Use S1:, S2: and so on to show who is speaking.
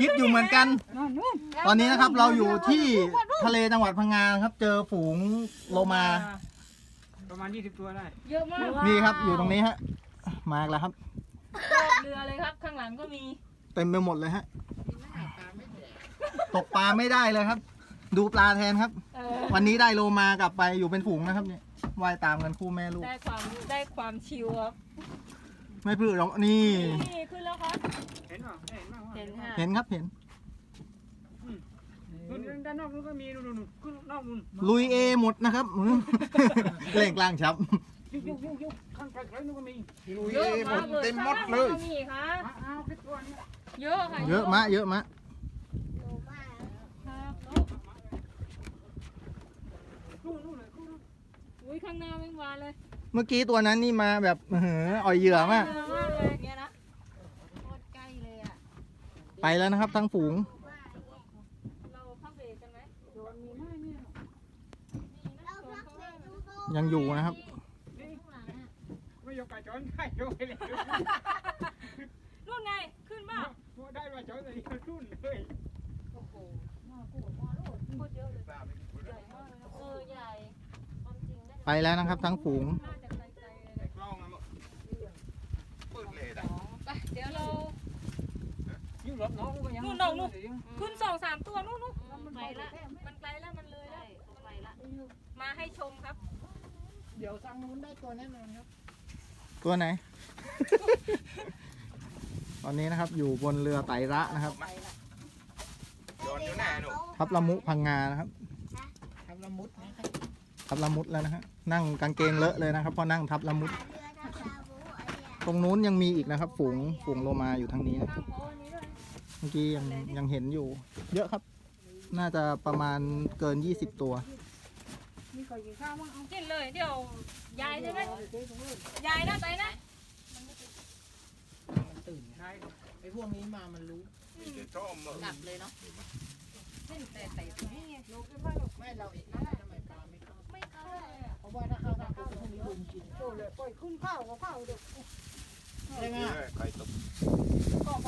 S1: คิดอยู่เหมือนกัน ตอนนี้นะครับเราอยู่ที่ทะเลจังหวัดพังงาครับ เจอฝูงโลมา
S2: ประมาณ20 ตัวได้
S3: เยอะมาก
S1: นี่ครับอยู่ตรงนี้ฮะมาอีกแล้วครับ
S3: รอบเรือเลยครับ ข้างหลังก็มี
S1: เต็มไปหมดเลยฮะตกปลาไม่ได้เลยครับ ดูปลาแทนครับ วันนี้ได้โลมากลับไปอยู่เป็นฝูงนะครับเนี่ยว่ายตามกันคู่แม่ลูก
S3: ได้ความชิลครับ
S1: ไม่พลือหรอกนี่
S3: นี่ขึ้นแล้วครับ
S2: เห็นเปล่าเห็นบ้างวะ
S3: เห็นค่ะ
S1: เห็นครับเห็น
S2: นู่นด้านนอกนู่นก็มีนู่นขึ้นนอกนู่น
S1: ลุยเอหมดนะครับ เล่งกลางชับ
S2: ยุกข้างไกลๆนู่นก็มี
S1: ลุย
S3: เย
S1: เอ
S3: อะ
S1: หม
S3: มา
S1: ด
S3: กเลย
S1: เต็มหมดเลย
S3: ข้างหงก็มีค่ะ
S2: เอาคิดตัวนี้
S3: เยอะค่ะ
S1: เยอะมะเยอะมะ
S3: ครับ
S2: นู่นเลยนู่น
S3: อุ้ยข้างหน้าไม่มาเลย
S1: เมื่อกี้ตัวนั้นนี่มาแบบอ่อยเหยื่อมาก
S3: เยอะมากเลยเนี่ยนะ
S4: โคตรใกล้เลยอ่ะ
S1: ไปแล้วนะครับทั้งฝูง
S3: เราพักเบรกกันไหม
S2: โดนมีไหมเนี่ย
S4: เราพักเบรกดูโซ่
S1: ยังอยู่นะครับ
S2: ไม่ยกไก่จอนได้ยกไปเลย
S3: นู่นไง ขึ้นบ้า
S2: ได้มาจอนเลยรุ่นเลย
S3: โอ้โหโคตรเยอะเลยใหญ่มากเลยนะใหญ่ความจริงได้
S1: ไปแล้วนะครับทั้งฝูง
S3: น่าจะไกลๆเลย
S5: กล้องนะมั้งปืดเลยนะ
S3: ไปเดี๋ยวเรา
S2: ยิ่งรถน้องก็ยัง
S3: ขึ้น2-3 ตัวนู่นมันไกลละมันไกลแล้วมันเลยแล้วไปละมาให้ชมครับ
S2: เดี๋ยวสั่งนู้นได้ตัวแน่นอนครับ
S1: ตัวไหน ตอนนี้นะครับอยู่บนเรือไตรระนะครับ
S5: โดนอยู่แน่หนู
S1: ทับละมุพังงานะครับ
S2: ทำละมุดนะครับ
S1: ทับละมุดแล้วนะฮะนั่งกางเกงเลอะเลยนะครับเพราะนั่งทับละมุด
S4: เรือทำลาบูไอ้เนี่ย
S1: ตรงนู้นยังมีอีกนะครับ ฝูงโลมาอยู่ทางนี้นะ
S3: ข้างโพนี้ด้วย
S1: เมื่อกี้ยังเห็นอยู่ เยอะครับ น่าจะประมาณเกิน 20 ตัว
S2: มีใครกินข้าวมั้งเอา
S3: กินเลยเดี๋ยวยายใช่ไหมยายนะไปนะ
S2: มันตื่นใช่ไอ้พวกนี้มามันรู้
S5: มีแต่ชอบมือก
S4: ลับเลยเนาะ
S3: แต่นี่ไง
S2: ไม่เราเองนะทำไมปลาไม่เข้า
S3: ไม่เข้าเลยอ่ะ
S2: เพราะว่าถ้าเข้าทางปุ๊บพวกนี้รุมกินโอ้เลยปล่อยขึ้นข้าวก็เข้าเด็กใช่ไหม
S5: ใครตก
S2: ก็พ